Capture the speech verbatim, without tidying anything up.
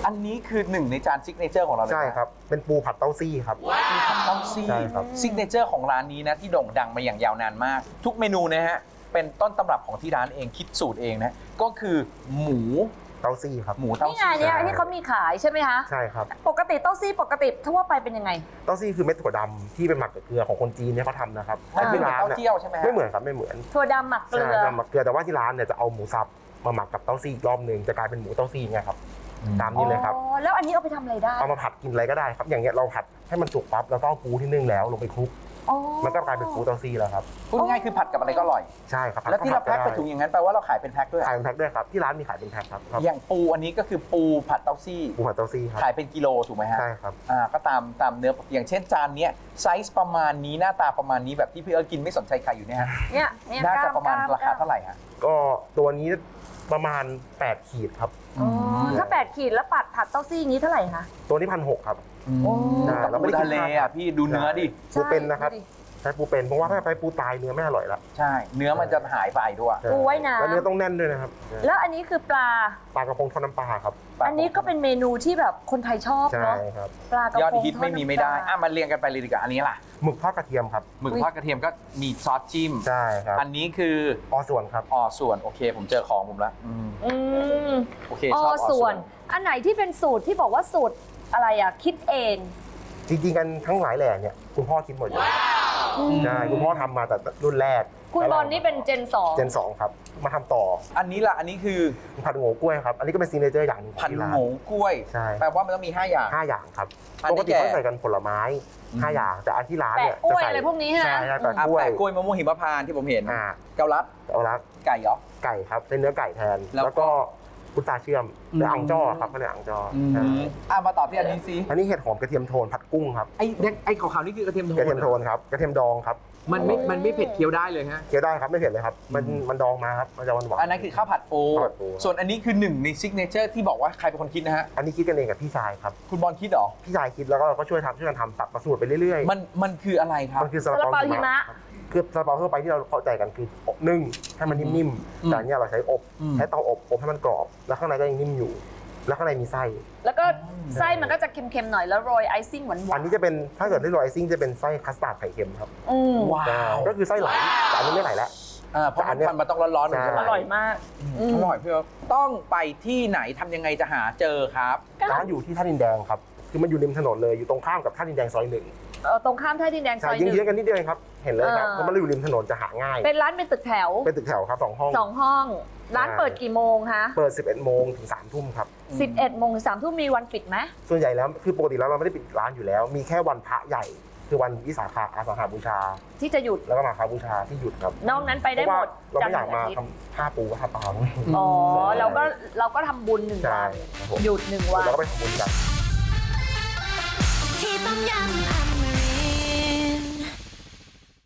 อันนี้คือหนึ่งในจานซิกเนเจอร์ของเราเลยใช่ครับเป็นปูผัดเต้าซี่ครับปูผัดเต้าซี่ใช่ครับซิกเนเจอร์ของร้านนี้นะที่โด่งดังมาอย่างยาวนานมาก ทุกเมนูนะฮะเป็นต้นตำรับของที่ร้านเองคิดสูตรเองนะก็คือหมูเต้าซี่ครับหมูเต้านี่ไงซี่เนี่ยที่เขามีขายใช่ไหมคะใช่ครับปกติเต้าซี่ปกติทั่วไปเป็นยังไงเต้าซี่คือเม็ดถั่วดำที่เป็นหมักกับเกลือของคนจีนเนี่ยเขาทำนะครับมันเป็นที่ร้านเต้าเนี่ยเจี้ยวใช่ไหมฮะไม่เหมือนครับไม่เหมือนถั่วดำหมักเกลืใช่อจะหมักเกลือแต่ว่าที่ร้านเนี่ยจะเอาหมูสับมาหมักกับเต้าซี่อีกรอบหนึ่งจะกลายเป็นหมูเต้าซี่ไงครับตามนี้เลยครับอ๋อแล้วอันนี้เอาไปทำอะไรได้เอามาผัดกินอะไรก็ได้ครับอย่างเงี้ยเราผัดให้มันสุกปั๊บแล้วก็เอาปูที่นึ่งแล้วลงไปคลุกอ๋อมันก็กลายเป็นปูเต้าซี่แล้วครับพูดง่ายๆคือผัดกับอะไรก็อร่อยใช่ครับแล้วที่เราแพ็คไปถุงอย่างนั้นแปลว่าเราขายเป็นแพ็คด้วยขายเป็นแพ็คด้วยครับที่ร้านมีขายเป็นแพ็คครับครับอย่างปูอันนี้ก็คือปูผัดเต้าซี่ปูผัดเต้าซี่ครับขายเป็นกิโลถูกไหมฮะใช่ครับอ่าก็ตามตามเนื้ออย่างเช่นจานเนี้ยไซส์ประมาณนี้หน้าตาประมาณนี้แบบที่พี่เอิร์ธกินไม่สนใจใครอยู่เนี่ยฮะเนี่ยเนี่ยน่าจะกล้ประมาณกล้ราคาเท่าไหร่ฮะก็ตัวนี้ประมาณแปดขีดครับอ๋อถ้าแปดขีดแล้วปัดผัดเต้าซี่อย่างนี้เท่าไหร่คะตัวนี้พันหกครับโอ้ใช่เราไม่ได้ทะเลอ่ะพี่ดูเนื้อดิปูเป็นนะครับใช่ดูดิใช้ปูเป็นเพราะว่าถ้าไปปูตายเนื้อไม่อร่อยละใช่ เนื้อมันจะหายไปด้วยปูไว้น้ำแล้วเนื้อต้องแน่นด้วยนะครับแล้วอันนี้คือปลาปลากระพงทอดน้ำปลาครับอันนี้ก็เป็นเมนูที่แบบคนไทยชอบใช่เนาะครับปลากระพงยอดฮิตไม่มีไม่ได้ทอน้ำปลาอ่ะมาเรียงกันไปเลยดีกว่าอันนี้ล่ะหมึกทอดกระเทียมครับหมึกทอดกระเทียมก็มีซอสจิ้มใช่ครับอันนี้คือออส่วนครับออส่วนโอเค ผมเจอของผมละอืมอืมโอเคอ๋ชอบอออส่ส่ววน นอันไหนที่เป็นสูตรที่บอกว่าสูตรอะไรอ่ะคิดเองจริงๆกันทั้งหลายแหล่เนี่ยคุณพ่อคิดหมดเลยใช่คุณพ่อทำมาแต่รุ่นแรกคุณบอลนี่เป็นเจนสองเจนสองครับมาทำต่ออันนี้ล่ะอันนี้คือผัดโง่กล้วยครับอันนี้ก็เป็นซีเนเจอร์อย่างหนึงของผัดที่ร้านโง่กล้วยใช่แปลว่ามันต้องมีห้าอย่างห้าอย่างครับอันปนี้กติแก่เขาใส่กันผลไม้ห้าอย่างแต่อันที่ร้านเนี่ยแปะกล้วยจใส่อะไรพวกนี้ใช่ไหมใช่ครับแปะอ่ะกล้วยแปะกล้วยมะม่วงหิมพานต์ที่ผมเห็นอ่าเกาลัดเอาละไก่เหรอไก่ครับเป็นเนื้อไก่แทนแล้วแล้วก็พุทราเชื่อมหรือมอ่างจ้อครับเขาเรียกอ่างจ้อออืมใช่อ่ะมาตอบที่อันนี้สิอันนี้เห็ดหอมกระเทียมโทนผัดกุ้งครับไอ้เด็กไอ้ขาวๆนี่คือกระเทียมโทนกระเทียมโทนครับกระเทียมดองครับมันไม่มันไม่เผ็ดเคี้ยวได้เลยฮะเคี้ยวได้ครับไม่เผ็ดเลยครับมันอืมมันดองมาครับมันจะหวานหวานอันนั้นคือข้าวผัดปูข้าวผัดปูส่วนอันนี้คือหนึ่งในซิกเนเจอร์ที่บอกว่าใครเป็นคนคิดนะฮะอันนี้คิดกันเองกับพี่ชายครับคุณบอลคิดเหรอพี่ชายคิดแล้วก็เราก็ช่วยทำช่วยกันทำตัดมาสูตรไปเรื่อยๆมันมันคืออะไรครับมันคือซาซาลาลาเปาเปาหิหิมะมะครับคือซาลาเปาทั่วไปที่เราเข้าใจกันคืออบนึ่งให้มันนิ่มอืมๆแต่อันเนี้ยเราใช้อบอืมใช้เตาอบอบให้มันกรอบ แล้วข้างในก็ยังนิ่มอยู่ แล้วข้างในมีไส้แล้วก็ไส้มันก็จะเค็มๆหน่อยแล้วโรยไอซิ่งหวานๆอันนี้จะเป็นถ้าเกิดได้โรยไอซิ่งจะเป็นไส้คัสตาร์ดไข่เค็มครับอืมว้าวก็คือไส้ไหลแต่อันนี้ไม่ไหลแล้วอ่าเพราะแต่อันเนี้ยมันมันต้องร้อนๆหนึ่งใช่ใช่ไหมอร่อยมากอืมอร่อยพี่เอิร์ธต้องไปที่ไหนทำยังไงจะหาเจอครับร้านอยู่ที่ท่าดินแดงครับคือมันอยู่ริมถนนเลยอยู่ตรงข้ามกับท่าดินแดงซอยหนึ่งเอ่อตรงข้ามท่าดินแดงซใช่อยหยิงนึ่งเยื้องกันนิดเดียวเองครับเห็นเลยครับอ่าเพราะมันอยู่ริมถนนจะหาง่ายเป็นร้านเป็นตึกแถวเป็นตึกแถวครับสองห้องสองห้อง ร้านอ่าเปิดกี่โมงคะเปิดสิบเอ็ดโมงถึงสามทุ่มครับสิบเอ็ดโมงถึงสามทุ่มมีวันปิดไหมส่วนใหญ่แล้วคือปกติแล้วเราไม่ได้ปิดร้านอยู่แล้ว มีแค่วันพระใหญ่ คือวันวิสาขอาสาฬหบูชาที่จะหยุดแล้วก็มาคาบูชาที่หยุดครับนอกนั้นไปได้เพราะหว่ามดเราจันไม่ทอยากร์ถึงมาอาทิตย์ทำผ้าปูผ้าปลาอ๋อเราก็เราก็ทำบุญหนึ่งใช่วันครับผมหยุดหนึ่งวันแล้วก็ไปทำบุญกันที่ต้มยำอ